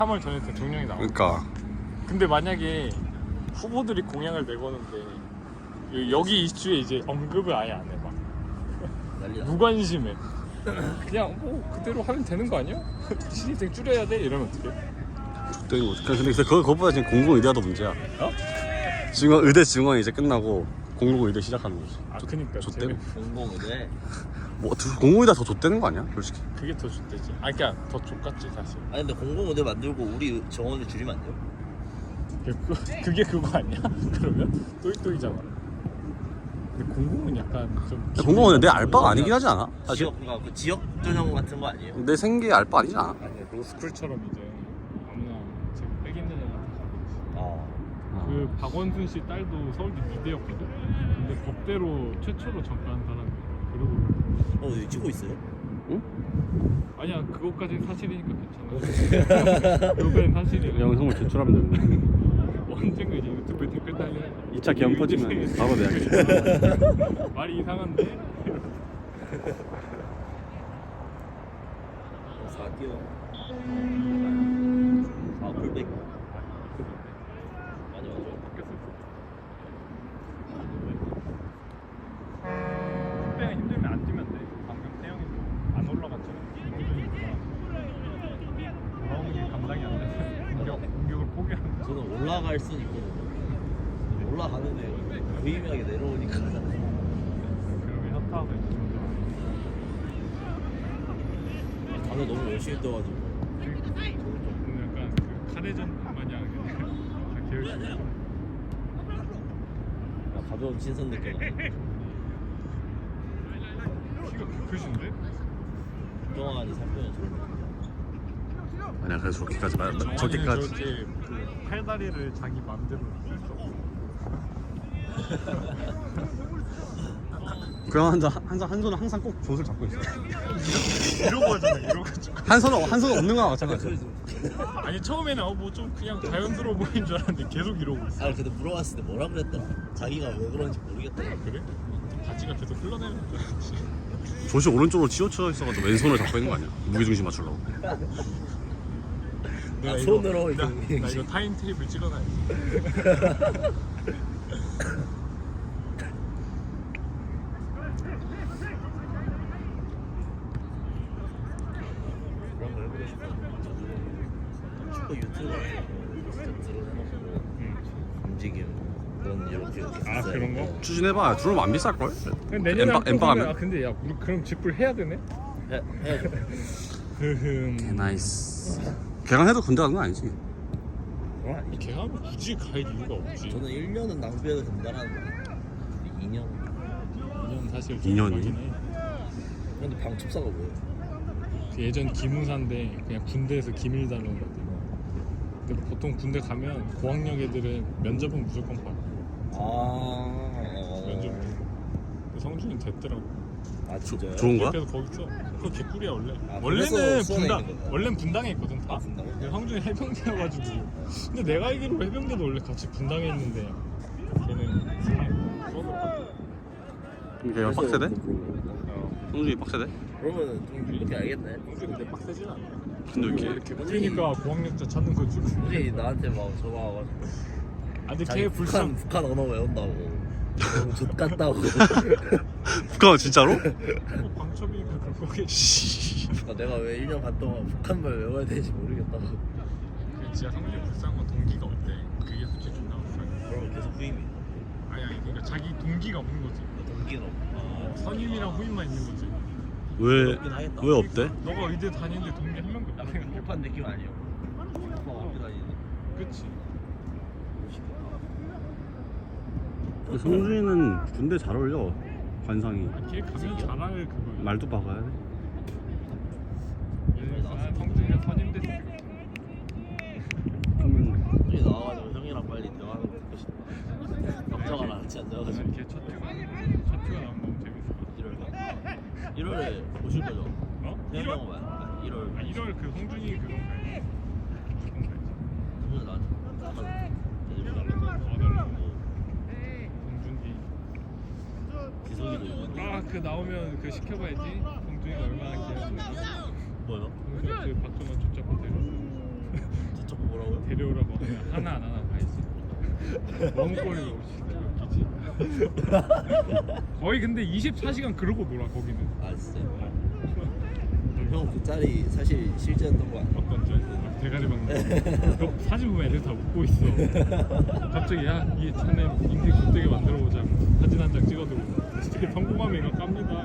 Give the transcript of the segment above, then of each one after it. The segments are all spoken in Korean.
3월 전에 대통령이 나와. 그러니까. 근데 만약에 후보들이 공약을 내거는데 여기 이슈에 이제 언급을 아예 안 해. 막 무관심해. 그냥 뭐 그대로 하면 되는 거 아니야? 신입생 줄여야 돼? 이러면 어떡해? 되는 거지. 근데 그거보다 지금 공공의대가 더 문제야. 어? 지금 의대 증원 이제 끝나고 공공의대 시작하는 거지. 아 그니까 좆대고. 공공의대. 뭐 공공의대가 더 좆대는 거 아니야? 솔직히. 그게 더 좋대지. 아 그니까 더 좋겠지 사실. 아니 근데 공공의대 만들고 우리 정원을 줄이면 안 돼요? 그게 그거 아니야? 그러면 또이또이잖아. 근데 공공은 약간 좀 공공의대 내 알바가 아니긴 하지 않아? 사실. 그러니까 그 지역 전형 같은 거 아니에요? 내 생계 알바 아니지 않아? 아니 로스쿨처럼 이제 아무나 지금 백 있는 애한테 가고 있어. 그 박원순 씨 딸도 서울대 미대였거든. 근데 법대로 최초로 전과한 사람이야. 그리고 여기 찍고 있어요? 응? 아니야 그것까지는 사실이니까 괜찮아. 그것까지는 사실이야. 영상을 제출하면 되는데. 언젠가 이제 유튜브에 댓글 달리는 2차 기업 퍼지면 바로 내야겠지. 말이 이상한데? 4기요. 4불백. 많이 와줘. 그때가 힘들면 안 뛰면 돼. 방금 태영이도 안 올라갔잖아. 돌아오는 게 감당이 안 돼. 공격을 포기하는 거야. 저는 올라갈 수는 있거든요. 올라가는데 무의미하게 내려오니까. 그러면 현타가 있는 다들 너무 열심히 떠가지고. 오늘 약간 그 카레전 마냥 그냥 다 계열시켜. 가벼운 신선 느낌. 키가 그 크신데? 정환이 살 빼면 저런 느낌. 아니야 그래서 저렇게까지 말 저렇게 저렇게까지. 그 팔다리를 자기 맘대로 쓸 수 없어. 그냥 한 손은 항상 꼭 젖을 잡고 있어. 이러고 하잖아. 이러고 가지고. 한 손은 없는 거랑 마찬가지야. 아니 처음에는 뭐 좀 그냥 자연스러워 보이는 줄 알았는데 계속 이러고 있어. 아 근데 물어봤을 때 뭐라 그랬더라. 자기가 왜 그런지 모르겠더라. 그래? 바지가 계속 흘러내리는 줄 알았지. 젖이 오른쪽으로 치우쳐 있어가지고 왼손을 잡고 있는 거 아니야? 무게중심 맞추려고. 내가 손으로 나 이거 이거 타임 테이블 찍어놔야지. 그런 거 해보고 싶어. 축구 유튜브 같은 거 진짜 드러내놓고 움직임 넌 이렇게 아, 있어야 그런 돼. 거? 추진해봐. 들어오면 안 비쌀 걸? 내년에 엠빵 하면? 아 근데 야 우리 그럼 직불 해야 되네? 해야죠. 나이스. 개강해도 군대 가는 건 아니지. 이 개하면 굳이 갈 이유가 없지. 저는 1년은 낭비해도 된다는 거. 2년. 2년 사실 2년이? 근데 방첩사가 뭐예요? 그 예전 기무사인데 그냥 군대에서 기밀 다루는 거지. 근데 보통 군대 가면 고학력 애들은 면접은 무조건 받고 면접 성준이 됐더라고. 아 진짜요? 좋은 거야? 그래서 거기서 그거 개꿀이야 원래. 아, 원래는 그래서 수원에 분당 있는 거야? 원래는 분당에 있거든 다. 아, 분당에? 근데 성준이 해병대여가지고. 근데 내가 알기로 해병대도 원래 같이 분당에 있는데 걔는 수원으로 갔대. 걔가 빡세대? 어. 성준이 빡세대? 그러면 좀 이렇게 알겠네. 성준이 근데 빡세진 않아. 근데 왜 이렇게 그러니까 고학력자 찾는 거지. 우리 나한테 막 전화 와가지고 아 근데 자기 걔 불쌍. 북한 언어 외운다고 너무 좆같다고. 북한 진짜로? 방첩이니까 그럴 거겠지. 씨. 내가 왜 1년 반 동안 북한말 외워야 되는지 모르겠다고. 그 진짜 성준이 불쌍한 건 동기가 없대. 그게 솔직히 존나 불쌍해. 그러면 계속 후임이. 아니 그러니까 자기 동기가 없는 거지. 동기는 없고. 선임이랑 후임만 있는 거지. 왜 없대? 너가 의대 다니는데 동기 한 명도 없다 생각해. 급한 느낌 아니에요? 학교 다니는. 그치. 성준이는 군대 잘 어울려. 관상이. 아, 걔 가면 잘할 그거야. 말도 박아야 돼. 아, 성준이가 선임됐어. 형이 나와가지고 형이랑 빨리 대화하는 거 듣고 싶다. 걱정을 안 하지 않아가지고. 걔첫 튜가 나오면 너무 재밌어. 1월에 오실 거죠? 어? 태영 1월? 봐요. 1월. 아 1월 그 성준이 그거 가야지. 무조건 가야지. 그러면 나한테 나가서 대접을 달라고. 와달라고. 성준이. 기석이도 이거. 아그 나오면 그 시켜봐야지. 성준이가 얼마나 기다렸는지. 뭐요? 그 박정원 초짜 호텔. 데려오라고 하면 하나 안 하나 다 있어. 멍거리가 없이 웃기지. 거의 근데 24시간 그러고 놀아 거기는. 아 진짜. 형 그 짤이 사실 실제였던 거 아니야? 어떤 줄? 대가리 박는 거. 사진 보면 애들 다 웃고 있어. 갑자기 야이 차네 인생 굿되게 만들어보자. 사진 한 장 찍어도 되게 성공하면 이거 깝니다.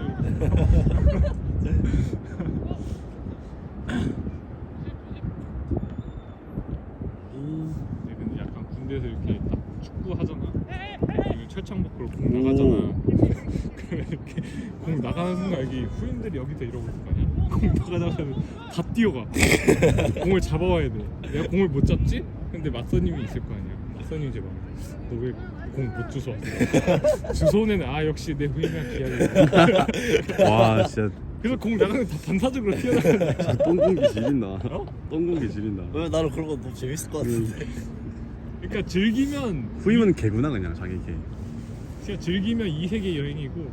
근데 약간 군대에서 이렇게 딱 축구 하잖아. 그리고 철창 밖으로 공 나가잖아. 이렇게 공 나가는 순간 여기 후임들이 여기서 이러고 있을 거 아니야? 공 나가자마자 다 뛰어가. 공을 잡아와야 돼. 내가 공을 못 잡지? 근데 맞선님이 있을 거 아니야. 맞선님이 이제 막 너 왜 공 못 주워 왔어? 주소는 역시 내 후임이랑 기약이. 와 진짜 그래서 공 나가는 다 반사적으로 튀어나가는. 똥공기 지린다. 똥공기 지린다. 왜 나는 그런 거 너무 재밌을 것 같은데. 그러니까 즐기면 후임은 개구나 그냥 자기 개. 진짜 즐기면 이 세계 여행이고.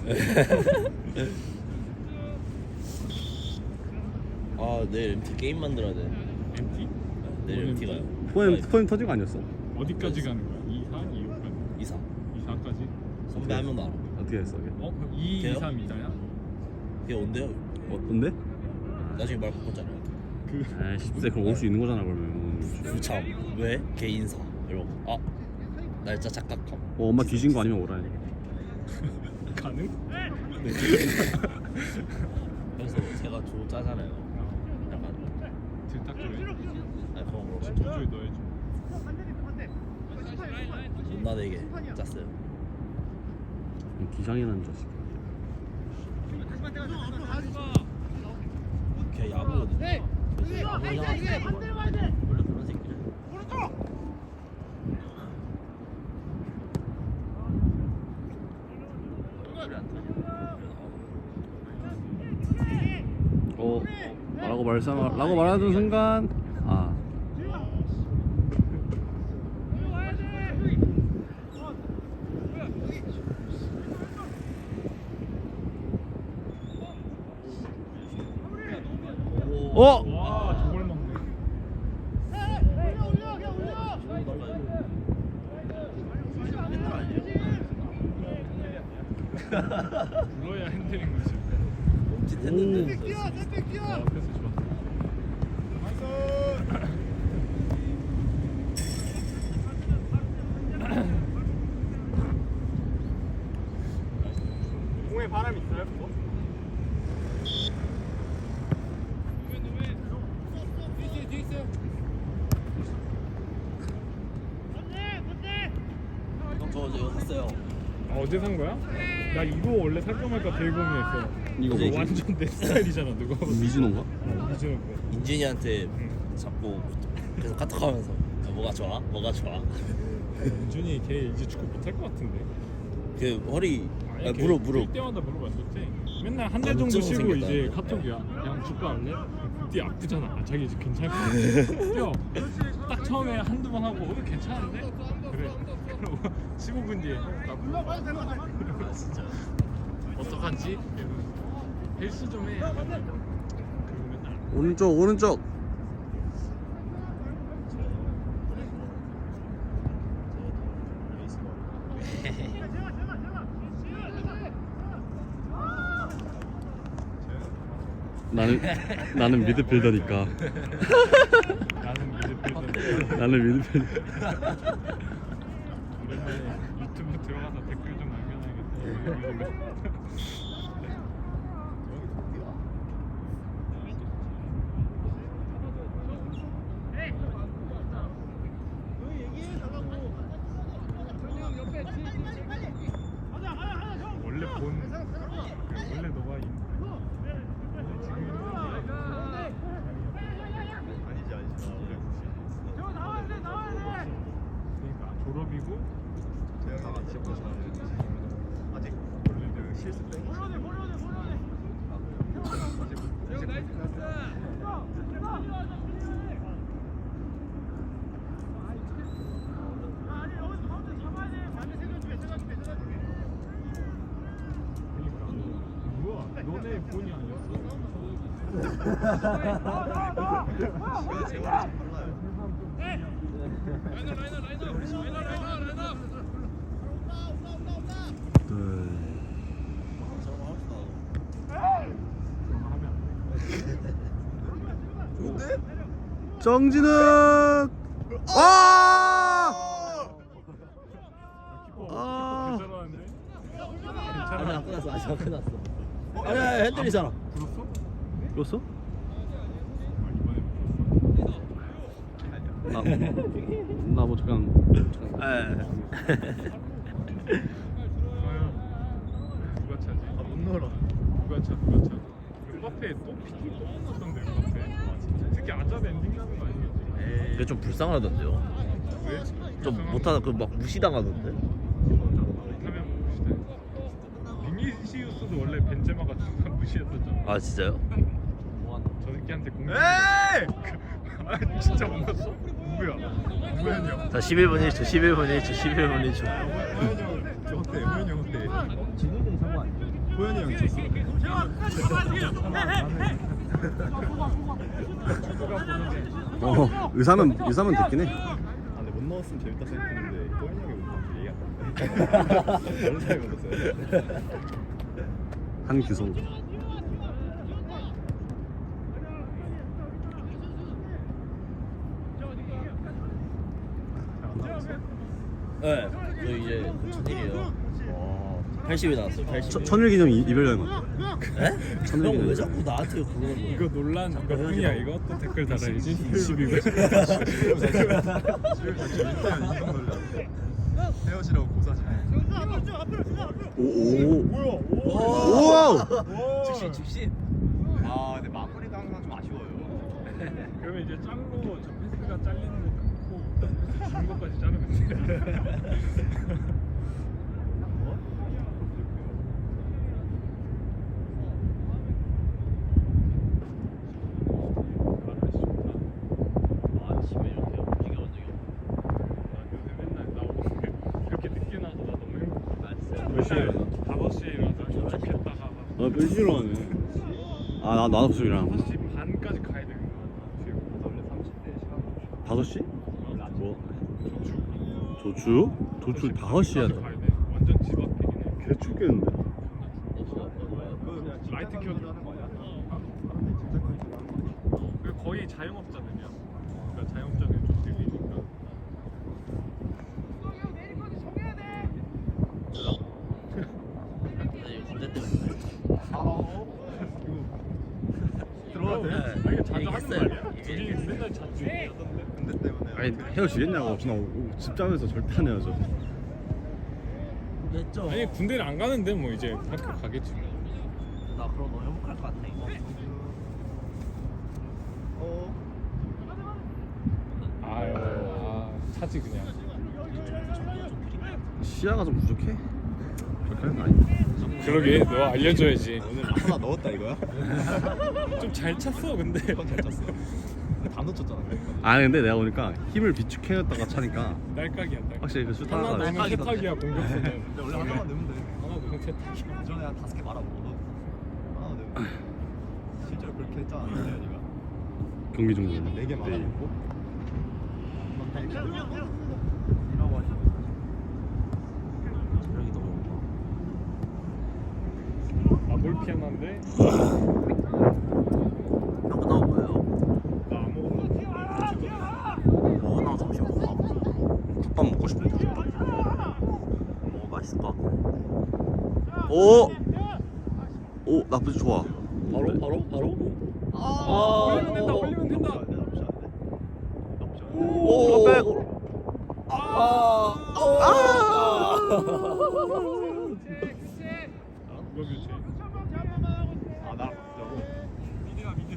아 내일 MT 게임 만들어야 돼. MT? 내일 뭔 MT 가요. 포엠 터진 거 아니었어? 어디까지 가는 거야? 2, 4, 2, 5까지? 2, 4 2, 4까지? 선배 한 명도 알아. 어떻게 했어? 걔? 어? 2, 2, 걔요? 3, 2자야? 걔 온대요. 뭔데? 나중에 말 바꿨잖아요. 그 아 10세 그럼 올 수 있는 거잖아 그러면. 참 왜? 걔 인사 이러고 날짜 착각함. 엄마 뒤진 거 아니면 오라 해. 가능? 그래서 제가 조 짜잖아요. 약간 들딱거려. 아니 그런 거 조조에 넣어야지. 존나 되게 짰어요. 기상이 난 자식. 걔 야구거든. 그래서 야구 형한테 원래 그런 새끼를. 그래 안 터져. 라고 말하는 순간 와 저걸 먹네. 불러야 핸들인 거지. 멈칫했는데. 그래서 좋았어. 공에 바람 있어요? 그거? 형 저 이거 샀어요. 어제 산 거야? 나 이거 원래 살까 말까 되게 고민했어. 이거 이거 뭐지? 완전 내 스타일이잖아. 누가 미진호인가? 미즈노 거. 인준이한테 응. 자꾸 계속 카톡하면서 뭐가 좋아? 뭐가 좋아? 민준이 걔 이제 축구 못할 것 같은데. 그 허리 아니, 걔 무릎 뛸 때마다 물어봤었지. 맨날 한 달 정도 염증 쉬고 생겼다. 이제 카톡이야. 그냥 축구 할래? 뛰 아프잖아. 자기 이제 괜찮을 것 같아. 뛰어. 딱 처음에 한두 번 하고 괜찮은데? 그래. 그러고 15분 뒤에 나 물어봐. 진짜 어떡하지? 이러면서 헬스 좀 해. 그리고 맨날 오른쪽. 나는 미드필더니까. 나는 미드필더. 나는 미드필더. 오랜만에 유튜브 들어가서 댓글 좀 남겨놔야겠다. 원래 원래 너가 그러니까 졸업이고 아직 원래 실습 때 뭐야? 너네 본이 아니었어? 세월이 좀 빨라요. 정진욱. 아! 아. 괜찮았는데? 아직 안 끝났어. 아직 안 끝났어. 아니야 핸들이잖아. 불었어? 불었어? 나뭐 그냥 누가 차지? 못 넣어라. 누가 차? 음바페 또 피팅 또 먹었던데 음바페. 특히 아자드 엔딩 나는 거 아니겠지? 이게 좀 불쌍하던데요. 왜? 좀 못하다 그 막 무시당하던데. 못하면 무시다. 비니시우스도 원래 벤제마가 중간 무시했었잖아. 아 진짜요? 저 새끼한테 공격. 에이! 아 진짜 못 넣었어? 누구야? 누구였냐? 자 11분 1초 11분 1초 11분 1초. 호연이 형, 저 어때? 호연이 형 어때? 진욱이 상관 아니야? 호연이 형이 졌어. 의사면 됐긴 해. 아, 근데 못 넣었으면 재밌다 생각했는데 호연이 형이 못 넣었지 얘기 안 나왔네. 다른 사람이 못 넣었어요. 한규성. 네. 저 이제 천일이에요. 80이 나왔어요. 80. 천일기념 이별 여행. 에? 천일기념. 형왜 자꾸 나한테 그러는 거야? 이거 논란 몇 분이야 이거? 또 댓글 달아야지. 22분. 헤어지라고 고사지. 오. 우와. 즉시. 아, 근데 마무리가 항상 좀 아쉬워요. 그러면 이제 짱로 저 패스가 잘리는 거 끊고 주는 것까지 자르면 돼. 아침에 이렇게 움직여본 적이 요새 맨날 나 오늘 그렇게 늦게 나서 나 너무 행복해. 없어. 몇 시에 일어나? 5시에 일어나서 도착했다가 몇 시로 하네. 나도 무슨 일하는 5시 반까지 가야 되는 거야. 원래 30대 시간 5시? 뭐? 조축. 조추? 조추 5시에 가야 하자. 돼. 완전 집 앞이긴 해. 개 춥겠는데. 그냥 라이트 켜줘. 하는 거 아니야? 사람들이 짐작하는 거 하는 거 아니야? 그 거의 자영업자들이야. 그러니까 자영업자들이 좀 들리니까. 군대 때문에. 들어가도 돼? 아, 이게 자주 하는 얘기했어요. 말이야? 둘이 맨날 자주 얘기하던데. 군대 때문에. 아니 헤어지겠냐고. 나 집장에서 절대 안 헤어져. 했죠. 아니 군대를 안 가는데 뭐 이제 학교 가겠지. 나 그럼 너무 행복할 것 같아. 아유, 차지 그냥. 시야가 좀 부족해. 그렇게 하는 거 아니야. 그러게 너 알려줘야지. 오늘 하나 넣었다 이거야? 좀 잘 찼어 근데. 이건 잘 찼어. 근데 다 놓쳤잖아. 아니 근데 내가 보니까 힘을 비축해놨다가 차니까 날깍이야. 날깍. 확실히 그 슛 하나 하나가 넣으면 세탁이야 공격수는. 근데 원래 하나만 넣으면 돼. 하나 넣으면 세탁이야. 이전에 한 5개 말아보고 하나 넣으면 돼. 실제로 그렇게 했잖아. 네가 경기 종료는. 4개 말아보고. 체력이 너무 아뭘 피하는데? 형 끝나고 뭐예요? 나 아무것도 뭐 나 점심 먹어. 국밥 먹고 싶은데. 뭐 맛있을 것 같고. 오. 오 나쁘지 좋아. 바로? 올리면 된다. 올리면 된다. 나쁘지 않네. 나쁘지 않네. 오, 백. 이거 교체. 나 저거. 미드가 미드.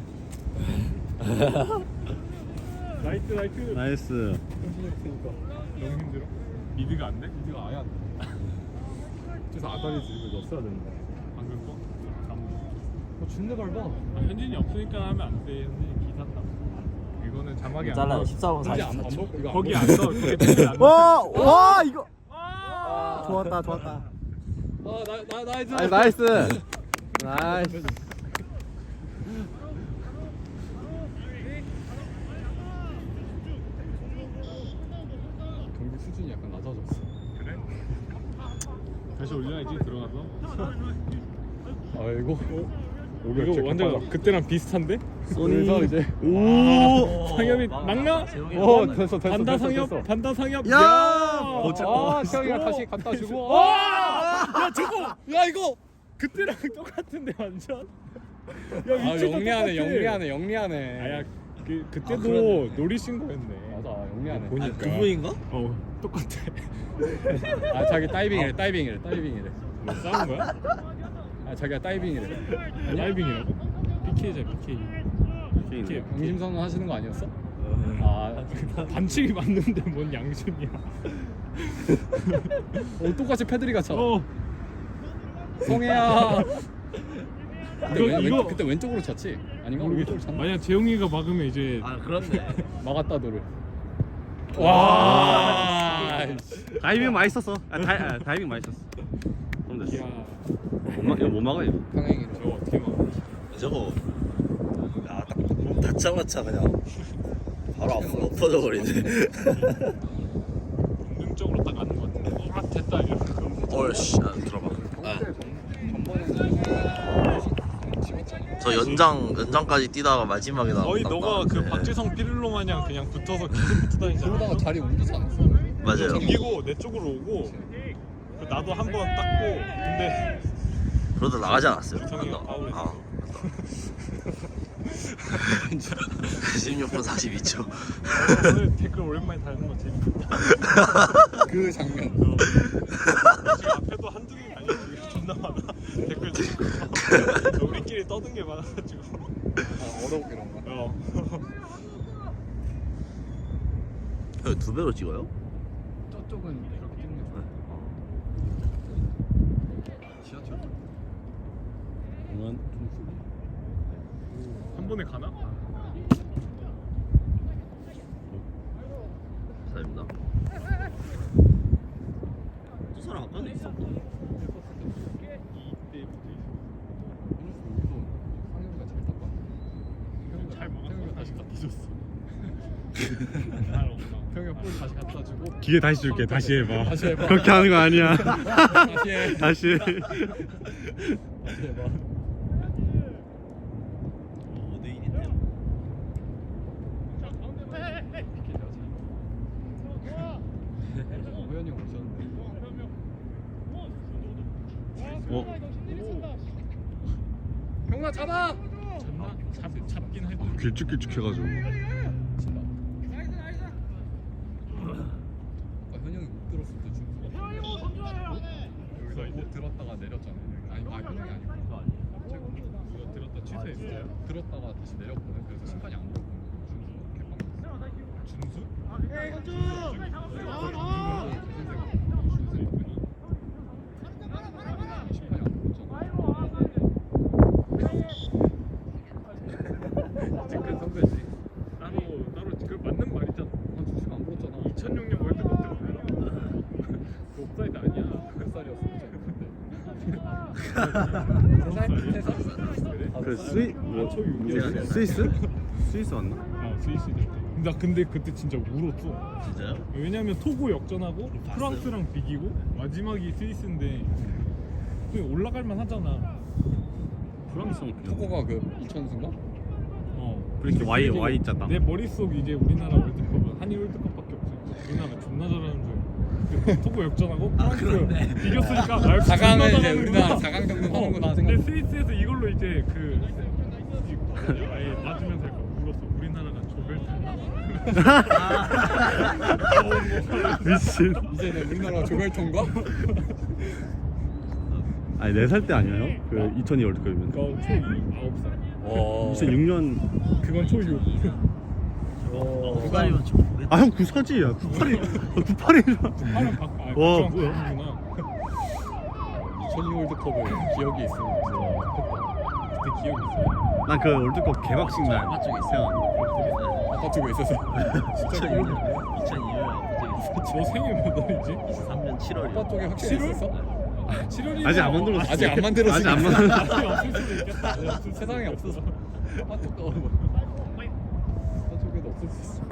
나이트. 나이스. 너무 힘들어. 미드가 안 돼? 미드가 아예 안 돼. 그래서 아다리 드립을 넣었어야 되는데. 방금 거? 준대 밟아. 현진이 없으니까 하면 안 돼. 현진이 기사다. 이거는 자막이 안 잘라요. 나와. 14분 현진 안 44초. 먹고 이거 거기 안 넣어. 거기 댓글 안 넣어. 와 이거. 좋았다. 나이스. 나이스. 경기 수준이 약간 낮아졌어. 그래? 다시 올려야지 들어가서. 아이고. 이거 완전 그때랑 비슷한데? 그래서 이제 오. 상엽이 막나? 됐어 반다 상엽, 반다 상엽. 야! 태영이가 다시 갖다 주고. 야 저거, 야 이거 그때랑 똑같은데 완전. 야 위치 영리하네 영리하네. 아야 그때도 그러네. 노리신 거였네. 맞아 영리하네. 보니까. 두 분인가? 똑같아. 아 자기 다이빙이래. 뭐 싸운 거야? 아 자기가 다이빙이래. 다이빙이라고? PK자 PK. PK. 양심 선언 하시는 거 아니었어? 아 반칙이 맞는데 뭔 양심이야? 똑같이 패드리 같잖아. 이거- 성혜야. 이거- 그때 왼쪽으로 찼지? 아닌가? 모르겠어. 오른쪽으로 찼나? 만약 재용이가 막으면 이제 아 그렇네. 막았다 너를. 와. 다이빙 맛있었어. 다이빙 맛있었어. 그럼 됐어. 야 이거 못 막아 이거. 평행이로. 저거 어떻게 막아? 저거 딱 닿자마자 그냥 바로 앞으로 엎어져 버리네. 본능적으로 딱 가는 것 같아. 됐다 이러고. 얼씨 들어봐. 저 연장까지 뛰다가 마지막에 나왔다. 거의 너가 그 박지성 피를로 마냥 그냥 붙어서 계속 붙어 다니잖아. 그러다가 자리 옮기지 않았어? 맞아요. 정기고 내 쪽으로 오고 그 나도 한 번 땄고 근데 그러다 나가지 않았어요. 주성이가 파울했어. 아. 16분 42초. 오늘 댓글 오랜만에 달는 거 재밌다. 그 장면. 지금 앞에도 한두 개가 아니야. 지금 존나 많아. 댓글 달고 우리끼리 떠든 게 많아가지고. 어렵게 그런 거. 형, 두 배로 찍어요? 저쪽은 이렇게 찍는 거. 지하철. 공안 한 번에 가나? 감사합니다. 두 사람 아까는 있었고. 이때부터 상혁이가 잘 닦아. 잘 먹었어. 다시 갖다 줬어. 잘 없나? 평이가 볼 다시 갖다 주고. 기회 다시 줄게. 다시 해봐. 다시 해봐. 그렇게 하는 거 아니야. 다시 해. 다시. 해. 다시 해봐. 5대1인데요. 호연이 형 오셨는데. 형나 잡아. 잡긴 해도 길쭉길쭉해가지고. 친다. 아까 현영이 못 들었을 때 준수가 여기서 못 들었다가 내렸잖아. 아니 현영이 아니고 누가 들었다 취소했어요? 들었다가 다시 내렸거든. 그래서 심판이 안 들었거든. 준수 개빵. 준수? 심판이 안 들었잖아. 아직까지 선배지. 따로 그 맞는 말이잖아. 준수가 안 불었잖아. 2006년 월드컵 때 그 옵사이드 아니야. 몇 살이었어? 그 스위스? 스위스 왔나? 스위스 때. 나 근데 그때 진짜 울었어. 진짜요? 왜냐면 토고 역전하고 프랑스랑 비기고 마지막이 스위스인데 그냥 올라갈만 하잖아. 프랑스랑 토고가 그 2000수인가? 그렇게 근데 Y 그게 Y 짰다. 내 머릿속 이제 우리나라 월드컵은 한일 월드컵밖에 없어. 우리나라 존나 잘하는 줄. 근데 토고 역전하고 프랑스 비겼으니까 날 4강은 이제 우리나라 4강 정도 하는구나 근데 생각. 스위스에서 이걸로 이제 그 아예 맞으면서 약간 울었어. 우리나라가 조별 탈락? 미친. 이제는 우리나라 조별통과? 아니 4살 때 아니에요? 그 2002 월드컵이면. 그거 초 9살. 2006년. 그건 초6. 후가리면 좀. 아 형 94지야. 98이잖아. 와, 뭐야? 2002 월드컵을 기억이 있습니다. 그때 기억이 있어요. 난 그 월드컵 개막식 날. 아빠 쪽에 있어요. 아빠 쪽에 있어서. 2002년. 2002년 아빠 쪽에 있어요. 너 생일 몇 월이지? 23년 7월. 아빠 쪽에 확실히 7월? 있었어? 7월이면 아직 안 만들었어. 아직 안 만들었으니까. 아직 안 만들었어. 아직 없을 수도 있겠다. 세상에 없어서. 아빠 쪽도 아빠 쪽에도 없을 수 있어.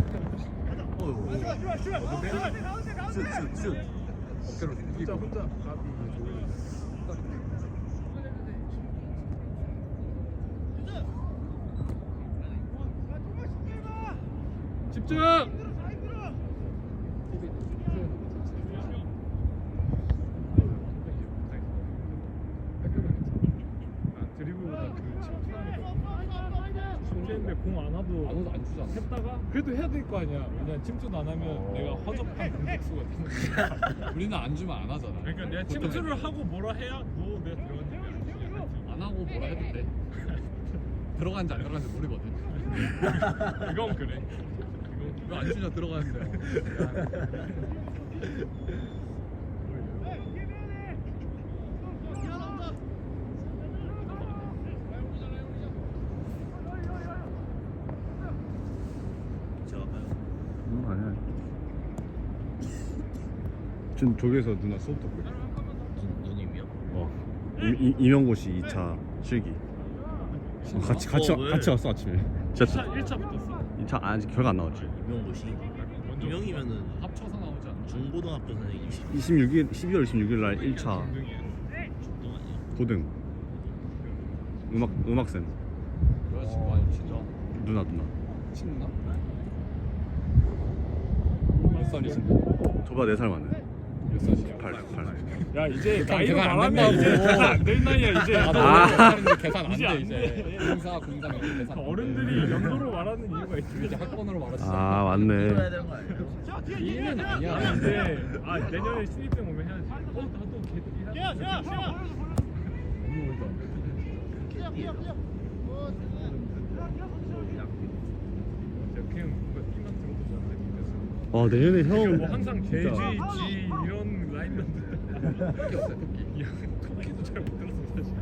어깨로 이기고. 집중. 드리블보다 그 침투하는 공 안 와도 안 주잖아. 했다가 그래도 해야 될 거 아니야. 왜냐 침투도 안 하면 내가 허접한 공격수가 되는 거야. 우리는 안 주면 안 하잖아. 그러니까 내가 침투를 하고 뭐라 해야 너 내가 들어갔는지 안 하고 뭐라 해도 돼. 들어간지 안 들어간지 모르거든. 그건 그래. 이거 안 주냐 들어가는데. 제가 가요. 아니야. 지금 저기에서 누나 수업 듣고 있어. 누님이요? 이명고시 2차 실기. 같이 왜? 왔어 아침에. 진짜 1차 붙었어. 2차 아직 결과 안 나왔지. 임용고시. 임용이면은 합쳐서 나오지 않나? 중고등학교 선생님 12월 26일 날 1차 중등 아니에요? 고등 음악쌤 여자친구 아니면 진짜 누나 친나? 몇 살이신데? 저보다 4살 많네. 몇 살이야? 8. 야 이제 계산 나이로 안 말하면 된다고. 이제 계산 안 될 나이야 이제. 아, 아. 나 계산 안 이제 안 돼 이제. 공사 이렇게 계산. 어른들이 연도로 말하는 이유가 있지. 이제 학번으로 말하지. 아 해야 맞네. 되는 거 아니에요? 이해는 아니야. 근데 내년에 신입생 오면 해야지. 나도 걔들이 해야 너무 멀다. 그냥 뭔가 띠만 들어도 좋은데. 아 내년에 형 뭐 항상 G, 진짜. G 이런 라인만 듣다. 토끼 없어요 토끼. 야, 토끼도 잘 못 들었어 사실.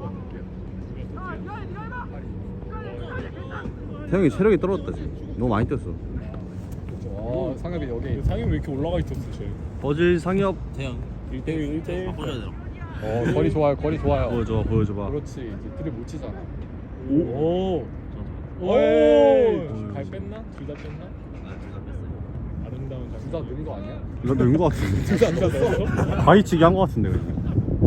태형이 체력이 떨어졌다 지금. 너무 많이 뛰었어. 그렇죠. 상엽이 여기. 상이 왜 이렇게 올라가 있었어 쟤? 버질 상엽 태영 1대1 1대1. 바꿔줘야 되나? 거리 좋아요 거리 좋아요. 보여줘봐. 그렇지 이제 드립 못 치잖아. 오. 오. 발 뺐나? 둘 다 뺐나? 아둘다 뺐어요. 아름다운 장면. 둘 다 넣은 거 아니야? 이거 넣은 거 같은데. 둘다 넣었어? 바위치기 한 거 같은데 그냥.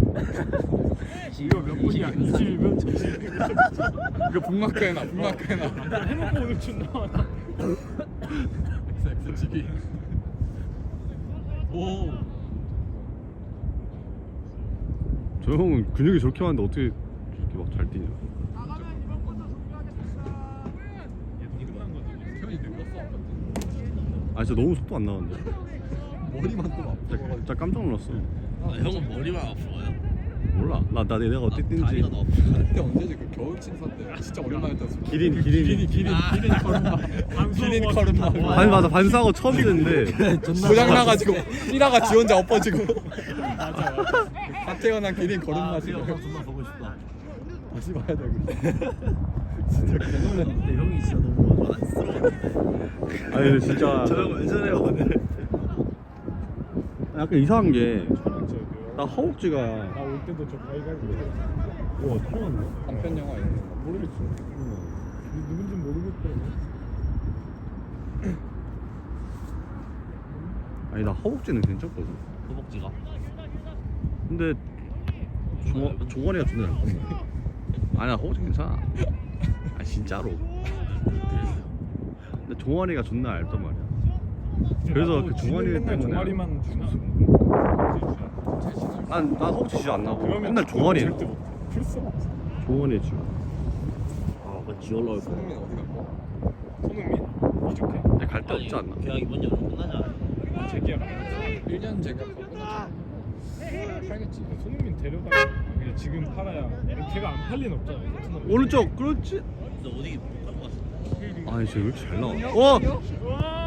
이거 몇 분이야? 20이면 20이면 이거 북마크 해놔 북마크 해놔. 해놓고 오늘 준다. 엑스치기. 오. 저 형은 근육이 저렇게 많은데 어떻게 저렇게 막 잘 뛰냐. 태현이 늙었어 아까. 아 진짜 너무 속도 안 나는데. 머리만 또 아파. 진짜 깜짝 놀랐어. 형은 머리만 아프고요? 몰라. 내가 어떻게 뛰는지. 다리가 너무 아프고 그때 언제지 그 겨울 친사 때 진짜 오랜만에 떴어. 기린. 기린 걸음마. 기린 걸음마. 맞아 반사하고 처음 뛰는데. 고장 나가지고 뛰다가 지 혼자 엎어지고. 맞아. 다 태어난 기린 걸음마 지금. 아, 정말 보고 싶다. 다시 봐야 돼. 진짜 개놀랐네. 근데 형이 진짜 너무 안쓰러웠는데. 아니 근데 진짜 저 형 왜 저래 오늘? 약간 이상한 게 나 허벅지가 나 올 때도 저 가위가위 와 털었네. 단편 영화 이런 거. 모르겠어. 누군지 모르겠더라고. 아니 나 허벅지는 괜찮거든. 허벅지가? 근데 종아리가 존나 얇거든. 아니야 허벅지 괜찮아. 아 진짜로. 근데 종아리가 존나 얇단 말이야. 그래서 그 종아리 맨날 때문에 종아리만 주나? 난 허벅지 진짜 안 나고 그러면 맨날 종아리에 절대 못해. 풀써. 종아리에 지금. 아 그건 지올라올 거. 손흥민 어디 갔고? 손흥민 이적해. 근데 갈 데 없지 않나? 계약 이번 여름 끝나지 않아요? 재계약. 1년 제격하고 팔겠지. 손흥민 데려가. 그냥 지금 팔아야. 걔가 안 팔린 없잖아. 오른쪽 그렇지. 근데 어디 못 갈 것 같아. 아니 쟤 왜 이렇게 잘 나와? 와! 와!